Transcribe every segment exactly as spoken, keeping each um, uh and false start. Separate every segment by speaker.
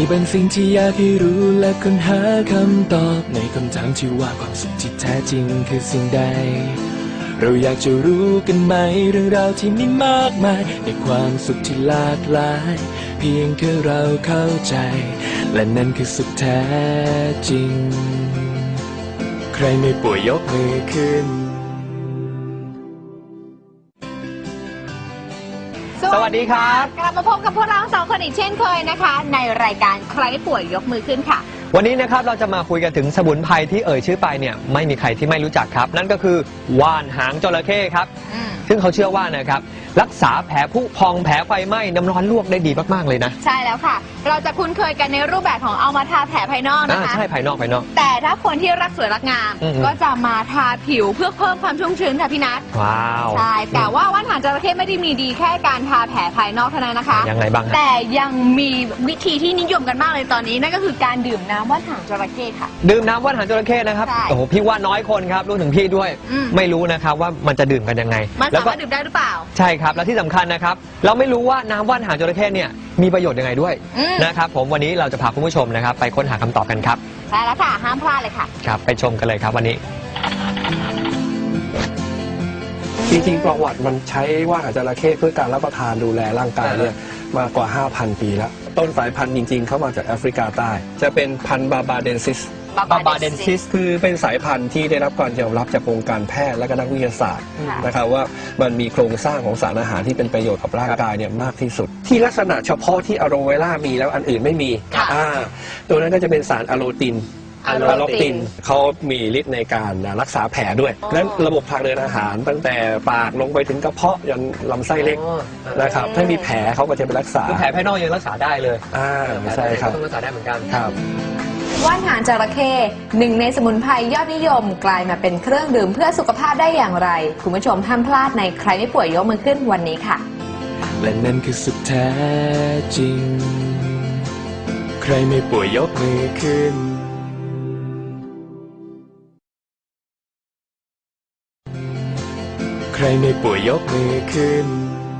Speaker 1: บางสิ่งที่อยากให้รู้และค้นหาคำตอบในคำถามที่ว่าความสุขที่แท้จริงคือสิ่งใดเราอยากจะรู้กันไหมเรื่องราวที่มีมากมายในความสุขที่หลากหลายเพียงแค่เราเข้าใจและนั่นคือสุขแท้จริงใครไม่ป่วยยกมือขึ้น
Speaker 2: สวัสดีครับ
Speaker 3: กลับมาพบกับพวกเราสองคนอีกเช่นเคยนะคะในรายการใครป่วยยกมือขึ้นค่ะ
Speaker 2: วันนี้นะครับเราจะมาคุยกันถึงสมุนไพรที่เอ่ยชื่อไปเนี่ยไม่มีใครที่ไม่รู้จักครับนั่นก็คือว่านหางจระเข้ครับซึ่งเขาเชื่อว่านะครับรักษาแผลผุพองแผลไฟไหม้น้ำร้อนลวกได้ดีมากๆเลยนะ
Speaker 3: ใช่แล้วค่ะเราจะคุ้นเคยกันในรูปแบบของเอามาทาแผลภายนอกนะคะ
Speaker 2: ใช่ภายนอกภายนอก
Speaker 3: แต่ถ้าคนที่รักสวยรักงามก็จะมาทาผิวเพื่อเพิ่มความชุ่มชื้นค่ะพี่นัท
Speaker 2: ว้าว
Speaker 3: ใช่แต่ว่าว่านหางจระเข้ไม่ได้มีดีแค่การทาแผลภายนอกเท่านั้นนะคะ
Speaker 2: ยังไงบ้าง
Speaker 3: แต่ยังมีวิธีที่นิยมกันมากเลยตอนนี้นั่นก็คือการดื่มน้ำว่านหางจระเข้ค่ะ
Speaker 2: ดื่มน้ำว่านหางจระเข้นะครับโอ้โหพี่ว่าน้อยคนครับรู้ถึงพี่ด้วยไม่รู้นะครับว่ามันจะดื่มกันยังไง
Speaker 3: มันสามารถดื่มได้หรือเปล่า
Speaker 2: ใช่ครับและที่สำคัญนะครับเราไม่รู้ว่าน้ำว่านหางจระเข้เนี่ยมีประโยชน์ยังไงด้วยนะครับผมวันนี้เราจะพาคุณผู้ชมนะครับไปค้นหาคำตอบกันครับ
Speaker 3: ใช่แล้วค่ะห้ามพลาดเลยค่ะ
Speaker 2: ครับไปชมกันเลยครับวันนี้
Speaker 4: จริงๆประวัติมันใช้ว่านหางจระเข้เพื่อการรับประทานดูแลร่างกายเนี่ยมากว่า ห้าพัน ปีแล้วต้นสายพันธุ์จริงๆเข้ามาจากแอฟริกาใต้จะเป็นพันธุ์บาบาเดนซิส
Speaker 2: บาบาเดนซิส
Speaker 4: คือเป็นสายพันธุ์ที่ได้รับการยอมรับจากวงการแพทย์และก็นักวิทยาศาสตร์นะครับว่ามันมีโครงสร้างของสารอาหารที่เป็นประโยชน์กับร่างกายเนี่ยมากที่สุดที่ลักษณะเฉพาะที่อะโลเวล่ามีแล้วอันอื่นไม่มีอ่าตัวนั้นก็จะเป็นสารอะโลตินอะโลตินเขามีฤทธิ์ในการรักษาแผลด้วยและระบบทางเดินอาหารตั้งแต่ปากลงไปถึงกระเพาะยันลำไส้เล็กนะครับถ้ามีแผลเขาก็จะไปรักษา
Speaker 2: แผลภายนอกยังรักษาได้เลย
Speaker 4: อ่าใช่ครับ
Speaker 2: ต้องรักษาได้เหมือนกัน
Speaker 4: ครับ
Speaker 3: ว่านหางจระเข้หนึ่งในสมุนไพรยอดนิยมกลายมาเป็นเครื่องดื่มเพื่อสุขภาพได้อย่างไรคุณผู้ชมห้ามพลาดในใครไม่ป่วยยกมือขึ้นวันนี้ค่ะ
Speaker 1: และนั่นคือสุขแท้จริงใครไม่ป่วยยกมือขึ้นใครไม่ป่วยยกมือขึ้น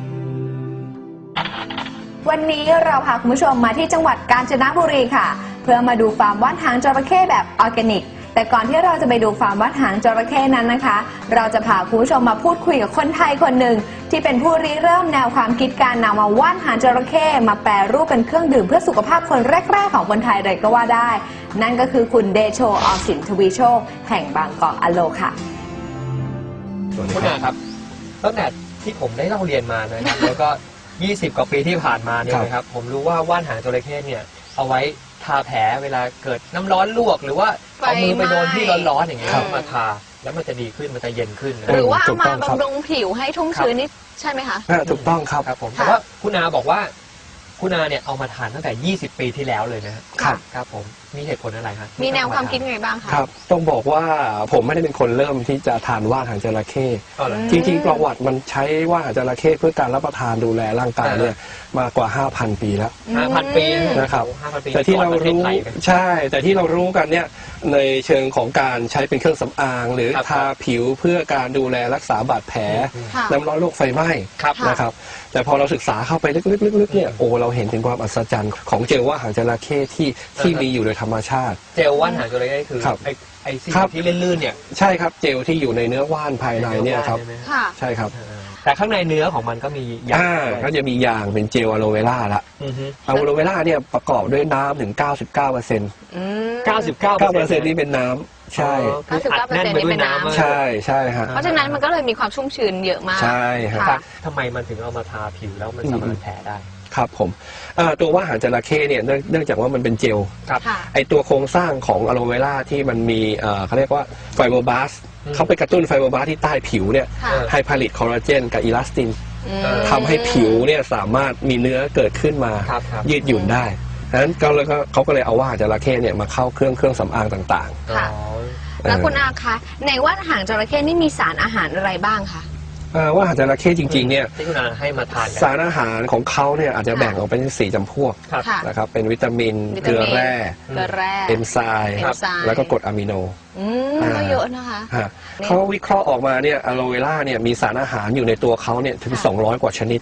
Speaker 3: วันนี้เราพาคุณผู้ชมมาที่จังหวัดกาญจนบุรีค่ะเพื่อมาดูฟาร์มว่านหางจระเข้แบบออร์แกนิกแต่ก่อนที่เราจะไปดูฟาร์มว่านหางจระเข้นั้นนะคะเราจะพาคุณผู้ชมมาพูดคุยกับคนไทยคนหนึ่งที่เป็นผู้ริเริ่มแนวความคิดการนำมาว่านหางจระเข้มาแปรรูปเป็นเครื่องดื่มเพื่อสุขภาพคนแรกๆของคนไทยเลยก็ว่าได้นั่นก็คือคุณเดโชออมสินทวีโชคแห่งบางกอกอโลค่ะ
Speaker 2: คุณอาครับตั้งแต่ที่ผมได้เล่าเรียนมานะครับแล้วก็ยี่สิบกว่าปีที่ผ่านมาเนี่ยนะครับผมรู้ว่าว่านหางจระเข้เนี่ยเอาไว้ทาแผลเวลาเกิดน้ำร้อนลวกหรือว่าเอามือไปโดนที่ร้อนๆอย่างเงี้ยมาทาแล้วมันจะดีขึ้นมันจะเย็นขึ้น
Speaker 3: หรือว่าเอามาบำรุงผิวให้ชุ่มชื้นนี่ใช่ไหมคะ
Speaker 4: ถูกต้องครับ
Speaker 2: ครับผมแต่ว่าคุณอาบอกว่าคุณอาเนี่ยเอามาทานตั้งแต่ยี่สิบปีที่แล้วเลยนะครับครับผมมีเหตุผลอะไรครับ
Speaker 3: มีแนวความคิดไงบ้างคะ
Speaker 4: ครับต้องบอกว่าผมไม่ได้เป็นคนเริ่มที่จะทานว่านหางจระเข้จริงๆประวัติมันใช้ว่านหางจระเข้เพื่อการรับประทานดูแลร่างกายเนี่ยมากว่า ห้าพัน ปีแล้ว
Speaker 2: ห้าพัน ปี
Speaker 4: นะครับแต่ที่เรารู้ใช่แต่ที่เรารู้กันเนี่ยในเชิงของการใช้เป็นเครื่องสำอางหรือทาผิวเพื่อการดูแลรักษาบาดแผลน้ำร้อนโรคไฟไหม้นะครับแต่พอเราศึกษาเข้าไปลึกๆๆเนี่ยโอ้เราเห็นถึงความอัศจรรย์ของเจลว่านหางจระเข้ที่ที่มีอยู่โดยธรรมชาติ
Speaker 2: เจลว่านหางจระเข้คือไอ้ไอ้ที่ลื่นๆเนี่ย
Speaker 4: ใช่ครับเจลที่อยู่ในเนื้อว่านภายในเนี่ยครับใช่ครับ
Speaker 2: แต่ข้างในเนื้อของมันก็มียาง
Speaker 4: ก็จะมียางเป็นเจลอะโลเวล่าละอะโลเวล่าเนี่ยประกอบด้วยน้ำถึง เก้าสิบเก้าเปอร์เซ็นต์
Speaker 2: เก้าสิบเก้าเปอร์เซ็นต์
Speaker 4: นี่เป็นน้ำใช่
Speaker 3: เก้าสิบเก้าเปอร์เซ็นต์นี่เป็นน้ำ
Speaker 4: ใช่ใช่ฮะ
Speaker 3: เพราะฉะนั้นมันก็เลยมีความชุ่มชื้นเยอะมาก
Speaker 4: ใช่ฮะ
Speaker 2: ทำไมมันถึงเอามาทาผิวแล้วมันสามารถแผลได้
Speaker 4: ครับผมตัวว่านหางจระเข้เนี่ยเนื่องจากว่ามันเป็นเจลไอตัวโครงสร้างของอะโลเวล่าที่มันมีเขาเรียกว่าไฟโบบลาสเขาไปกระตุ้นไฟโบบลาสที่ใต้ผิวเนี่ยให้ผลิตคอลลาเจนกับอิลาสตินทำให้ผิวเนี่ยสามารถมีเนื้อเกิดขึ้นมายืดหยุ่นได้ดังนั้นก็เลยเขาก็เลยเอาว่านหางจระเข้เนี่ยมาเข้าเครื่องเครื่องสำอางต่าง
Speaker 3: ๆแล้วคุณอาคะในว่านหางจระเข้นี่มีสารอาหารอะไรบ้างคะ
Speaker 4: ว่านหางจระเข้จริงๆเนี่ย
Speaker 2: ที่คุณอาให้มาทาน
Speaker 4: สารอาหารของเขาเนี่ยอาจจะแบ่งออกเป็นสี่จำพวกนะครับเป็นวิตามินเกลือแร่เอนไซม์แล้วก็กรดอะมิโน
Speaker 3: ก็เยอะนะคะ
Speaker 4: เขาวิเคราะห์ออกมาเนี่ยอะโลเวล่าเนี่ยมีสารอาหารอยู่ในตัวเขาเนี่ยถึงสองร้อยกว่าชนิด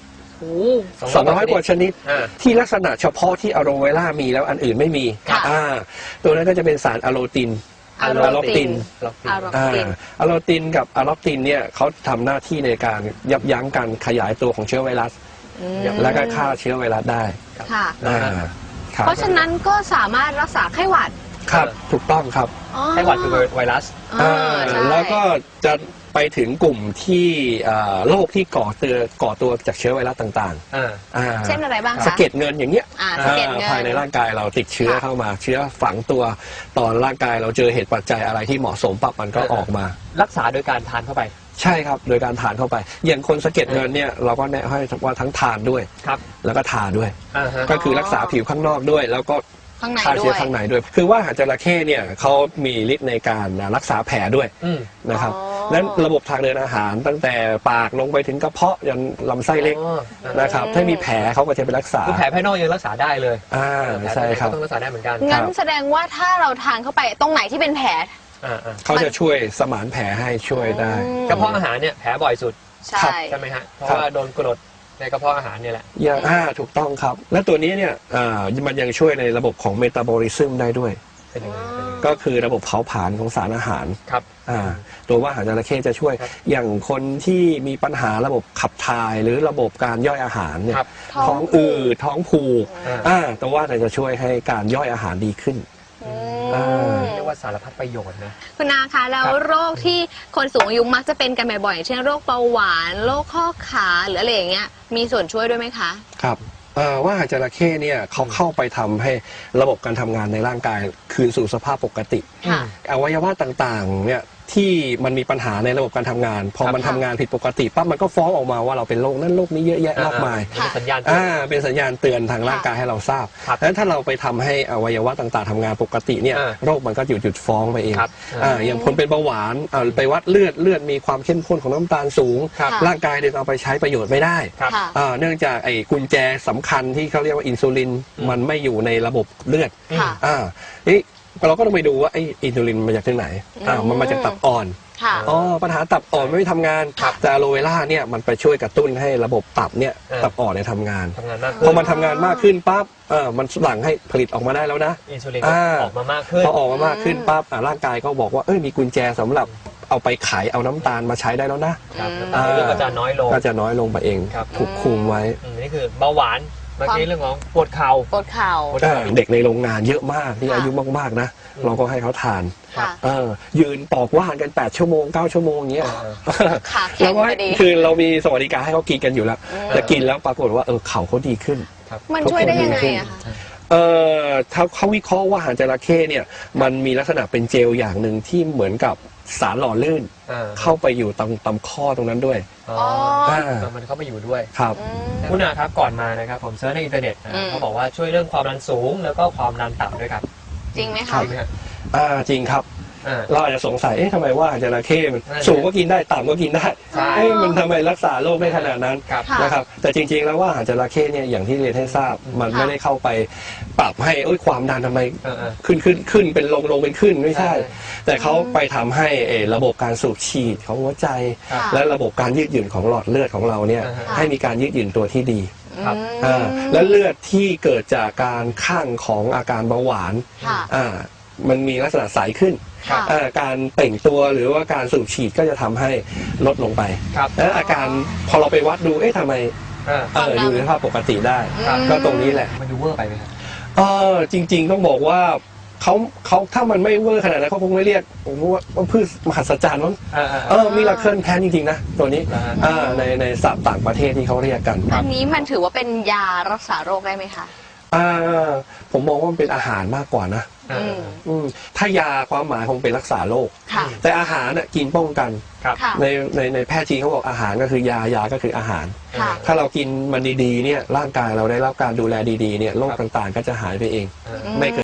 Speaker 4: สองร้อยกว่าชนิด
Speaker 2: อ่า
Speaker 4: ที่ลักษณะเฉพาะที่อะโลเวล่ามีแล้วอันอื่นไม่มี
Speaker 3: ค่ะ
Speaker 4: อ่าตัวนั้นก็จะเป็นสารอะโลติน
Speaker 3: อะโล
Speaker 4: อะโลติน
Speaker 3: อะโล
Speaker 4: อ่า
Speaker 3: ติน
Speaker 4: อะโลตินกับอะล็อกตินเนี่ยเขาทำหน้าที่ในการยับยั้งการขยายตัวของเชื้อไวรัส
Speaker 3: อืม
Speaker 4: และก็ฆ่าเชื้อไวรัสได้
Speaker 3: ค่ะ
Speaker 4: อ่าครับ
Speaker 3: เพราะฉะนั้นก็สามารถรักษาไข้หวัด
Speaker 4: ครับถูกต้องครับ
Speaker 3: อ๋อ
Speaker 2: ไข้หวัดคือไวรัส
Speaker 3: อ่า
Speaker 4: อ่า
Speaker 3: ใช่
Speaker 4: แล้วก็จะไปถึงกลุ่มที่อ่าโรคที่ก่อตัวก่อตัวจากเชื้อไวรัสต่าง
Speaker 2: อ่า
Speaker 4: ๆอ่า
Speaker 3: เช่นอะไรบ้างคะ
Speaker 4: สะเก็ดเงินอย่างเงี้ย
Speaker 3: อ่าสะเก็ดเงิน
Speaker 4: ภายในร่างกายเราติดเชื้อ
Speaker 3: ค่ะ
Speaker 4: เข้ามาเชื้อฝังตัวตอนร่างกายเราเจอเหตุปัจจัยอะไรที่เหมาะสมปั๊บมันก็
Speaker 2: เออ
Speaker 4: ออกมา
Speaker 2: รักษาโดยการทานเข้าไป
Speaker 4: ใช่ครับโดยการทานเข้าไป อย่างคนสะเก็ดเงินเนี่ยเราก็แนะให้ว่าทั้งทานด้วย
Speaker 2: ครับ
Speaker 4: แล้วก็ทาด้วย
Speaker 2: อ่าฮะ
Speaker 4: ก็คือรักษาผิวข้างนอกด้วย แล้วก็
Speaker 3: ข้างใน
Speaker 4: ฆ่า
Speaker 3: ด้
Speaker 4: เชื้
Speaker 3: ว
Speaker 4: อย ข้างในด้วย คือว่าหางจระเข้เนี่ยเขามีฤทธิ์ในการรักษาแผลด้วย
Speaker 2: อืม
Speaker 4: นะครับ
Speaker 3: อ๋อ
Speaker 4: นั้นระบบทางเดินอาหารตั้งแต่ปากลงไปถึงกระเพาะยันลำไส้เล็ก
Speaker 2: อ๋ออ่า
Speaker 4: นะครับถ้ามีแผลเขาก็จะไปรักษา
Speaker 2: คือแผลภายนอกยังรักษาได้เลย
Speaker 4: อ่า
Speaker 2: แผล
Speaker 4: ใช่
Speaker 2: ภายใน
Speaker 4: ครับ
Speaker 2: ก็ต้องรักษาได้เหมือนกัน
Speaker 3: งั้น
Speaker 4: ครับ
Speaker 3: แสดงว่าถ้าเราทานเข้าไปตรงไหนที่เป็นแผล
Speaker 2: อ่าอ่า
Speaker 4: เขาจะช่วยสมานแผลให้ช่วยได้
Speaker 3: อืม
Speaker 2: กระเพาะอาหารเนี่ยแผลบ่อยสุด
Speaker 3: ใช่
Speaker 2: ใช่ไหมฮะ เพราะ
Speaker 4: ครับ
Speaker 2: ว่าโดนกรดในกระเพาะอาหารเนี่ยแหละ
Speaker 4: อย่างอ่าถูกต้องครับ และตัวนี้เนี่ยอ่ามันยังช่วยในระบบของเมตาบอลิซึมได้ด้วย
Speaker 2: เป็นยังไงเป็นยังไง
Speaker 4: ก็คือระบบเผาผลาญของสารอาหาร
Speaker 2: ครับ
Speaker 4: อ่าตัวว่าอาหารจระเข้จะช่วย
Speaker 2: ครับ
Speaker 4: อย่างคนที่มีปัญหาระบบขับถ่ายหรือระบบการย่อยอาหารเนี่ย
Speaker 2: ครับ
Speaker 4: ท้องอืดท้องผูก
Speaker 2: อ่า
Speaker 4: อ่าตัวว่าจะช่วยให้การย่อยอาหารดีขึ้น
Speaker 3: อื
Speaker 4: อ่า
Speaker 3: ม
Speaker 2: เรียกว่าสารพัดประโยชน์นะ
Speaker 3: คุณนาคะแล้ว
Speaker 2: ครับ
Speaker 3: โรคที่คนสูงอายุมักจะเป็นกันบ่อยๆอย่างเช่นโรคเบาหวานโรคข้อขาหรืออะไรอย่างเงี้ยมีส่วนช่วยด้วยไหมคะ
Speaker 4: ครับเอ่อว่าอาหารจระเข้เนี่ยเขาเข้าไปทำให้ระบบการทำงานในร่างกายคืนสู่สภาพปกติ
Speaker 3: ค่ะ
Speaker 4: อวัยวะต่างๆเนี่ยที่มันมีปัญหาในระบบการทำงาน พอ
Speaker 2: ครับ
Speaker 4: มันทำงานผิดปกติปั๊บมันก็ฟ้องออกมาว่าเราเป็นโรคนั้นโรคนี้เยอะแยะมากมาย
Speaker 2: เป็นสัญญาณ
Speaker 4: อ่าเป็นสัญญาณเตือนทางร่างกายให้เราทราบ
Speaker 2: ครับ
Speaker 4: ดังนั้นถ้าเราไปทำให้อวัยวะต่างๆทำงานปกติเนี่ย
Speaker 2: อ่า
Speaker 4: โรคมันก็หยุดหยุดฟ้องไปเอง
Speaker 2: ครับ
Speaker 4: อ่าอย่างคนเป็นเบาหวานอ่าไปวัดเลือดเลือดมีความเข้มข้นของน้ำตาลสูง
Speaker 2: ครับ
Speaker 3: ค่ะ
Speaker 4: ร่างกายเดินเอาไปใช้ประโยชน์ไม่ได้
Speaker 2: ครับ
Speaker 3: ค่ะ
Speaker 4: อ่าเนื่องจากไอ้กุญแจสำคัญที่เขาเรียกว่าอินซูลิน
Speaker 2: อืม
Speaker 4: มันไม่อยู่ในระบบเลือด
Speaker 3: ค่ะ
Speaker 4: อ่านี่เราก็ต้องไปดูว่าไอ้อินซูลินมาจากที่ไหนอ่า
Speaker 3: อืม
Speaker 4: มันมาจากตับอ่อน
Speaker 3: ค่ะ
Speaker 4: อ๋อปัญหาตับอ่อนไม่ทำงาน
Speaker 2: ครับ
Speaker 4: แต่อะโลเวล่าเนี่ยมันไปช่วยกระตุ้นให้ระบบตับเนี่ย
Speaker 2: อ่า
Speaker 4: ตับอ่อนเนี่ยทำงาน
Speaker 2: ทำงานมาก
Speaker 4: พ
Speaker 2: ขึ้
Speaker 4: อน มันทำงานมากขึ้นปั๊บเออมันหลั่งให้ผลิตออกมาได้แล้วนะ
Speaker 2: อินซูลิน
Speaker 4: อ่า
Speaker 2: ออกมามากขึ้น
Speaker 4: พอออกมามากขึ้นปั๊บอ่าร่างกายก็บอกว่าเอ้ยมีกุญแจสำหรับเอาไปขายเอาน้ำตาลมาใช้ได้แล้วนะ
Speaker 2: ครับ
Speaker 3: อืม
Speaker 2: น้ำตาลในเลือดก็จะน้อยลง
Speaker 4: ก็จะน้อยลงไปเอง
Speaker 2: ครับ
Speaker 4: ถูกคุมไว้
Speaker 2: อืมนี่คือเบาหวานเมื่อกี้เรื่องของปวดเข่า
Speaker 3: ปวดเข่า
Speaker 2: ปวด
Speaker 4: อ่าเด็กในโรงงานเยอะมากที่
Speaker 3: ค่ะ
Speaker 4: อายุมากๆนะ
Speaker 2: อืม
Speaker 4: เราก็ให้เขาทาน
Speaker 3: ค่ะ
Speaker 4: เออยืนปอกว่านกันแปดชั่วโมงเก้าชั่วโมงอย่างเงี้ย
Speaker 3: ขาแข็
Speaker 4: แล้
Speaker 3: ง
Speaker 4: วก็
Speaker 3: พอดี
Speaker 4: คือเรามีสวัสดิการให้เขากินกันอยู่แล้ว
Speaker 3: อืม
Speaker 4: แต่กินแล้วปรากฏว่าเออเข่าเขาดีขึ้น
Speaker 3: มันช่วยได้ยังไงอะคะ
Speaker 4: เออถ้าเขาวิเคราะห์ว่าอาหารจระเข้เนี่ยมันมีลักษณะเป็นเจลอย่างหนึ่งที่เหมือนกับสารหล่อลื่น
Speaker 2: อ่า
Speaker 4: เข้าไปอยู่ตรงตำข้อตรงนั้นด้วย
Speaker 2: อ๋อ
Speaker 4: อ่า
Speaker 2: มันเข้าไปอยู่ด้วย
Speaker 4: ครับ
Speaker 3: อืม
Speaker 2: คุณอาครับก่อนมานะครับผมเซิร์ชในอินเทอร์เน็ตนะ
Speaker 3: อืม
Speaker 2: เขาบอกว่าช่วยเรื่องความดันสูงแล้วก็ความดันต่ำด้วยครับ
Speaker 3: จริงไหม
Speaker 4: ครั
Speaker 3: คะ
Speaker 4: บ
Speaker 2: จริงไหมครับ
Speaker 4: อ่าจริงครับ
Speaker 2: อ่า
Speaker 4: เราอาจจะสงสัยเอ๊ะทำไมว่าอาหารจระเข้มัน
Speaker 2: นั่นแหละ
Speaker 4: สูงก็กินได้ต่ำก็กินได้
Speaker 2: ใช่
Speaker 4: เอ๊ะมันทำไมรักษาโรคได้ขนาดนั้น
Speaker 2: ครับ
Speaker 3: ค่ะ
Speaker 4: นะครับแต่จริงๆแล้วว่าอาหารจระเข้เนี่ยอย่างที่เรียนให้ทราบมัน
Speaker 3: ค่ะ
Speaker 4: ไม่ได้เข้าไปปรับให้เอ้ยความดันทำไม
Speaker 2: เออเออ
Speaker 4: ขึ้นขึ้นขึ้นเป็นลงลงเป็นขึ้นไม่ใช่
Speaker 2: ใช่
Speaker 4: แต่เขาไปทำให้เอ่อระบบการสูบฉีดของหัวใจ
Speaker 2: ครับ
Speaker 4: และระบบการยืดหยุ่นของหลอดเลือดของเราเนี่ย
Speaker 2: อ่าฮะ
Speaker 4: ให้มีการยืดหยุ่นตัวที่ดี
Speaker 2: ครับ
Speaker 4: อ่าและเลือดที่เกิดจากการข้างของอาการเบาหวาน
Speaker 3: ค่ะ
Speaker 4: อ่ามันมีลักษณะใสขึ้น
Speaker 3: ค่ะ
Speaker 4: อ่าการเปล่งตัวหรือว่าการสูบฉีดก็จะทำให้ลดลงไป
Speaker 2: ครับ
Speaker 4: และอาการพอเราไปวัดดูเอ๊ะทำไม
Speaker 2: อ่า
Speaker 4: เอออยู่ในสภาพปกติได้
Speaker 2: ครับ
Speaker 4: ก็ตรงนี้แหละ
Speaker 2: มันดูเวอร์ไปไหมครับ
Speaker 4: เออจริง ๆ ต้องบอกว่าเขาเขาถ้ามันไม่เวอร์ขนาดนั้นเขาคงไม่เรียกผมว่าว่าพืชมหัศจรรย์มั้ง
Speaker 2: อ่าอ่า
Speaker 4: เออมีราเคิลแพนจริง ๆ นะ ตัวนี้
Speaker 2: อ่า
Speaker 4: อ่าในในศัพท์ต่างประเทศที่เขาเรียกกัน
Speaker 3: อันนี้มันถือว่าเป็นยารักษาโรคได้ไหมคะ
Speaker 4: อ่าผมมองว่ามันเป็นอาหารมากกว่านะ
Speaker 2: อ่า
Speaker 3: อืม
Speaker 4: อืมถ้ายาความหมายคงเป็นรักษาโรค
Speaker 3: ค่ะ
Speaker 4: แต่อาหารน่ะกินป้องกัน
Speaker 2: ครับ
Speaker 3: ค่ะ
Speaker 4: ในในในแพทย์จีนเขาบอกอาหารก็คือยายาก็คืออาหาร
Speaker 3: ค่ะ
Speaker 4: ถ้าเรากินมันดีๆเนี่ยร่างกายเราได้รับการดูแลดีๆเนี่ยโรคต่างๆ ก็จะหายไปเอง
Speaker 2: อ่า
Speaker 4: ไม่เกิด